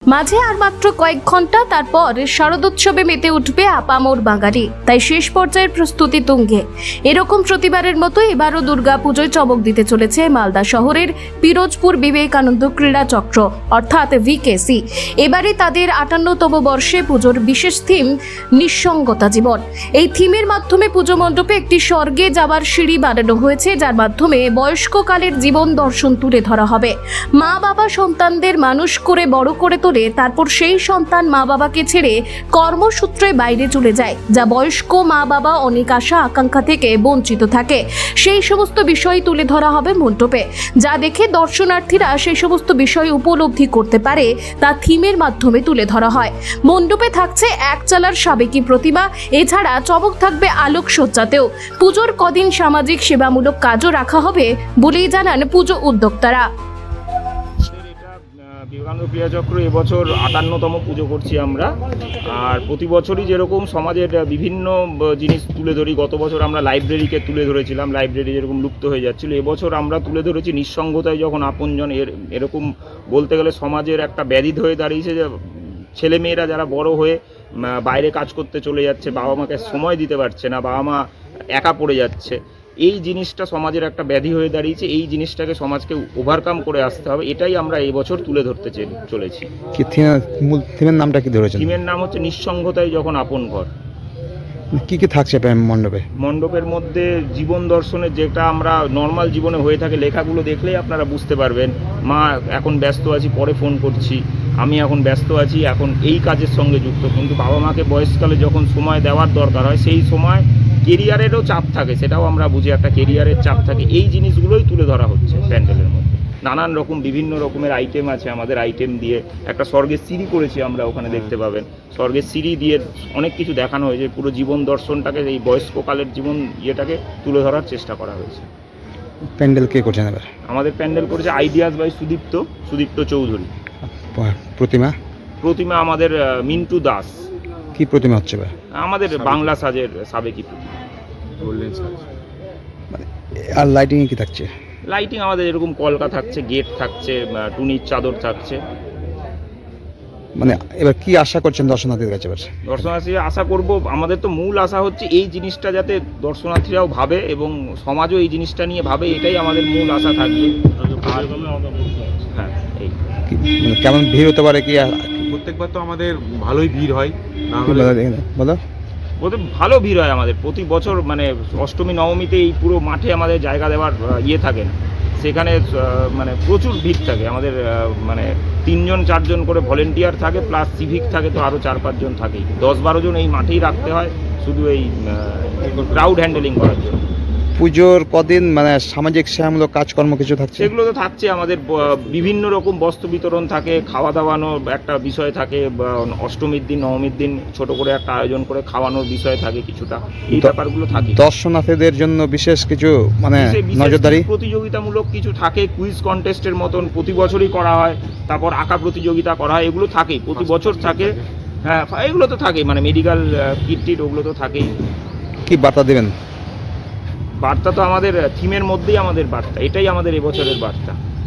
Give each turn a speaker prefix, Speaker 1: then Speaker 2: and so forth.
Speaker 1: মাঝে আর মাত্র কয়েক ঘন্টা, তারপর শারদোৎসবে মেতে উঠবে আপামর বাঙালি। তাই শেষ পর্যায়ের প্রস্তুতি তুঙ্গে। এরকম প্রতিবারের মতো এবারও দুর্গাপুজোয় চমক দিতে চলেছে মালদা শহরের পিরোজপুর বিবেকানন্দ ক্রীড়া চক্র অর্থাৎ ভিকেসি। এবারে তাদের 58তম বর্ষে পুজোর বিশেষ থিম নিঃসঙ্গতা জীবন। এই থিমের মাধ্যমে পুজো মণ্ডপে একটি স্বর্গে যাওয়ার সিঁড়ি বানানো হয়েছে, যার মাধ্যমে বয়স্ককালের জীবন দর্শন তুলে ধরা হবে। মা বাবা সন্তানদের মানুষ করে বড় করে তোলে, তারপর সেই সন্তান মা বাবাকে ছেড়ে কর্মসূত্রে বাইরে চলে যায়, যা বয়স্ক মা বাবা অনেক আশা আকাঙ্ক্ষা থেকে বঞ্চিত থাকে। সেই সমস্ত বিষয় তুলে ধরা হবে মণ্ডপে, যা দেখে দর্শনার্থীরা সেই সমস্ত বিষয় উপলব্ধি করতে পারে, তা থিমের মাধ্যমে তুলে ধরা হয়। মণ্ডপে থাকছে একচালার সাবেকি প্রতিমা, এছাড়া চমক থাকবে আলোকসজ্জাতেও। পুজোর কদিন সামাজিক সেবামূলক কাজও রাখা হবে বলেই জানান পুজো উদ্যোক্তারা।
Speaker 2: বিবেকানন্দ ক্রীড়া চক্র এবছর 58তম পুজো করছি আমরা। আর প্রতি বছরই যেরকম সমাজের বিভিন্ন জিনিস তুলে ধরি, গত বছর আমরা লাইব্রেরিকে তুলে ধরেছিলাম, লাইব্রেরি যেরকম লুপ্ত হয়ে যাচ্ছিল, এবছর আমরা তুলে ধরেছি নিঃসঙ্গতায় যখন আপনজন। এরকম বলতে গেলে সমাজের একটা ব্যাধি হয়ে দাঁড়িয়েছে যে ছেলেমেয়েরা যারা বড় হয়ে বাইরে কাজ করতে চলে যাচ্ছে, বাবা মাকে সময় দিতে পারছে না, বাবা মা একা পড়ে যাচ্ছে। এই জিনিসটা সমাজের একটা ব্যাধি হয়ে দাঁড়িয়েছে। এই জিনিসটাকে সমাজকে ওভারকাম করে আসতে হবে, এটাই আমরা এই বছর তুলে ধরতে চলেছি।
Speaker 3: কি থিমের নামটা কি ধরেছেন?
Speaker 2: থিমের নাম হচ্ছে নিঃসঙ্গতায় যখন আপন ঘর।
Speaker 3: কি কি থাকছে মণ্ডপে?
Speaker 2: মণ্ডপের মধ্যে জীবন দর্শনের যেটা আমরা নর্মাল জীবনে হয়ে থাকে, লেখাগুলো দেখলেই আপনারা বুঝতে পারবেন। মা এখন ব্যস্ত আছি, পরে ফোন করছি, আমি এখন ব্যস্ত আছি, এখন এই কাজের সঙ্গে যুক্ত। কিন্তু বাবা মাকে বয়সকালে যখন সময় দেওয়ার দরকার হয়, সেই সময় কেরিয়ারেরও চাপ থাকে, সেটাও আমরা বুঝি, একটা কেরিয়ারের চাপ থাকে। এই জিনিসগুলোই তুলে ধরা হচ্ছে প্যান্ডেলের মধ্যে। নানান রকম বিভিন্ন রকমের আইটেম আছে আমাদের। আইটেম দিয়ে একটা স্বর্গের সিঁড়ি করেছি আমরা, ওখানে দেখতে পাবেন। স্বর্গের সিঁড়ি দিয়ে অনেক কিছু দেখানো হয়েছে। পুরো জীবন দর্শনটাকে, এই বয়স্ককালের জীবন ইয়েটাকে তুলে ধরার চেষ্টা করা হয়েছে।
Speaker 3: প্যান্ডেল কে করছেন এবার?
Speaker 2: আমাদের প্যান্ডেল করেছে আইডিয়াস বাই সুদীপ্ত চৌধুরী। প্রতিমা আমাদের মিন্টু দাস।
Speaker 3: কি প্রতিমা হচ্ছে এবার?
Speaker 2: আমাদের বাংলা সাজের সাবেকি প্রতিমা।
Speaker 3: আর লাইটিং কি থাকছে?
Speaker 2: লাইটিং আমাদের এরকম কলকা থাকছে, গেট থাকছে, টুনির চাদর থাকছে।
Speaker 3: মানে এবার কি আশা করছেন দর্শনার্থীদের কাছে? এবার
Speaker 2: দর্শনার্থীরা আশা করব, আমাদের তো মূল আশা হচ্ছে এই জিনিসটা যাতে দর্শনার্থীরাও ভাবে এবং সমাজও এই জিনিসটা নিয়ে ভাবে, এটাই আমাদের মূল আশা থাকবে। হ্যাঁ, এই
Speaker 3: মানে কেমন ভিড় হতে পারে? কি
Speaker 4: প্রত্যেকবার তো আমাদের ভালোই ভিড় হয়,
Speaker 3: বলো।
Speaker 2: ভালো ভিড় হয় আমাদের প্রতি বছর। মানে অষ্টমী নবমীতে এই পুরো মাঠে আমাদের জায়গা দেওয়ার ইয়ে থাকে না, সেখানে মানে প্রচুর ভিড় থাকে আমাদের। মানে 3-4 জন করে ভলেন্টিয়ার থাকে, প্লাস সিভিক থাকে, তো আরও 4-5 জন থাকেই। 10-12 জন এই মাঠেই রাখতে হয় শুধু এই ক্রাউড হ্যান্ডেলিং করার জন্য।
Speaker 3: পুজোর কদিন মানে সামাজিক সেবামূলক কাজকর্ম কিছু থাকছে?
Speaker 2: সেগুলো তো থাকছে আমাদের। বিভিন্ন রকম বস্ত্র বিতরণ থাকে, খাওয়া দাওয়ানোর একটা বিষয় থাকে। অষ্টমীর দিন, নবমীর দিন ছোট করে একটা আয়োজন করে খাওয়ানোর বিষয় থাকে কিছুটা। এই ব্যাপারগুলো থাকে।
Speaker 3: দর্শনার্থীদের জন্য বিশেষ কিছু মানে নজরদারি
Speaker 2: প্রতিযোগিতামূলক কিছু থাকে, কুইজ কন্টেস্টের মতন প্রতি বছরই করা হয়। তারপর আঁকা প্রতিযোগিতা করা হয়, এগুলো থাকেই, প্রতি বছর থাকে। হ্যাঁ, এগুলো তো থাকেই, মানে মেডিকেল কিট ওগুলো তো থাকেই।
Speaker 3: কি বার্তা দেবেন?
Speaker 2: বার্তা তো আমাদের থিমের মধ্যেই আমাদের বার্তা, এটাই আমাদের এবছরের বার্তা।